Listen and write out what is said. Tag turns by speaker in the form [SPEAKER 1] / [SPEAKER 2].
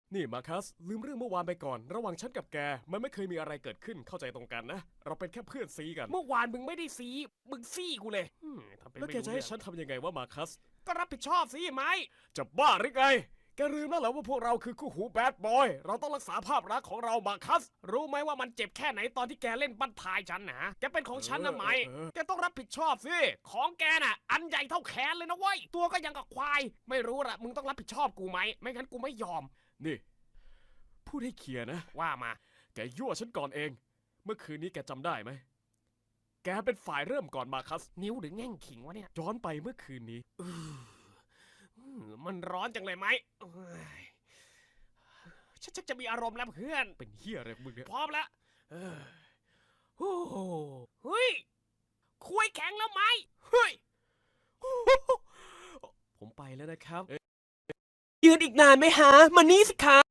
[SPEAKER 1] นี่มาคัสลืมเรื่องเมื่อวานไปก่อนระหว่างฉันกับแกมันไม่เคยมีอะไรเกิดขึ้นเข้าใจตรงกันนะเราเป็นแค่เพื่อนซีกัน
[SPEAKER 2] เมื่อวานมึงไม่ได้ซีมึงซี่กูเลยทำเป็น
[SPEAKER 1] แล้ว
[SPEAKER 2] ไม่
[SPEAKER 1] แก
[SPEAKER 2] รู้
[SPEAKER 1] จะ
[SPEAKER 2] เรื่
[SPEAKER 1] ให้
[SPEAKER 2] อง
[SPEAKER 1] ฉันทำยังไงว่ามาคัส
[SPEAKER 2] ก็รับผิดชอบสิไหม
[SPEAKER 1] จะบ้าหรือไงแกลืมแล้วเหรอว่าพวกเราคือคู่หูแบดบอยเราต้องรักษาภาพลักษณ์ของเรามาคัส
[SPEAKER 2] รู้ไหมว่ามันเจ็บแค่ไหนตอนที่แกเล่นบั้นท้ายฉันนะแกเป็นของฉันนะไหม แกต้องรับผิดชอบสิของแกน่ะอันใหญ่เท่าแขนเลยนะเว้ยตัวก็ยังกับควายไม่รู้ละมึงต้องรับผิดชอบกูไหมไม่งั้นกูไม่ยอม
[SPEAKER 1] นี่พูดให้เคลียร์นะ
[SPEAKER 2] ว่ามา
[SPEAKER 1] แกยั่วฉันก่อนเอง เมื่อคืนนี้แกจำได้ไหมแกเป็นฝ่ายเริ่มก่อนมาคัส
[SPEAKER 2] นิ้วหรือแง่งขิงวะเนี่ย
[SPEAKER 1] ย้อนไปเมื่อคืนนี้
[SPEAKER 2] มันร้อนจังเลยไหมเอ้ยฉันชักจะมีอารมณ์แล้วเพื่อน
[SPEAKER 1] เป็นเฮียอะไรของมึงเนี่ย
[SPEAKER 2] พร้อมแล้วโอ้โหเฮ้ยคุยแข็งแล้วไหมเฮ้ย
[SPEAKER 1] ผมไปแล้วนะครับ
[SPEAKER 2] ยืนอีกนานไหมฮะมานี่สิคะ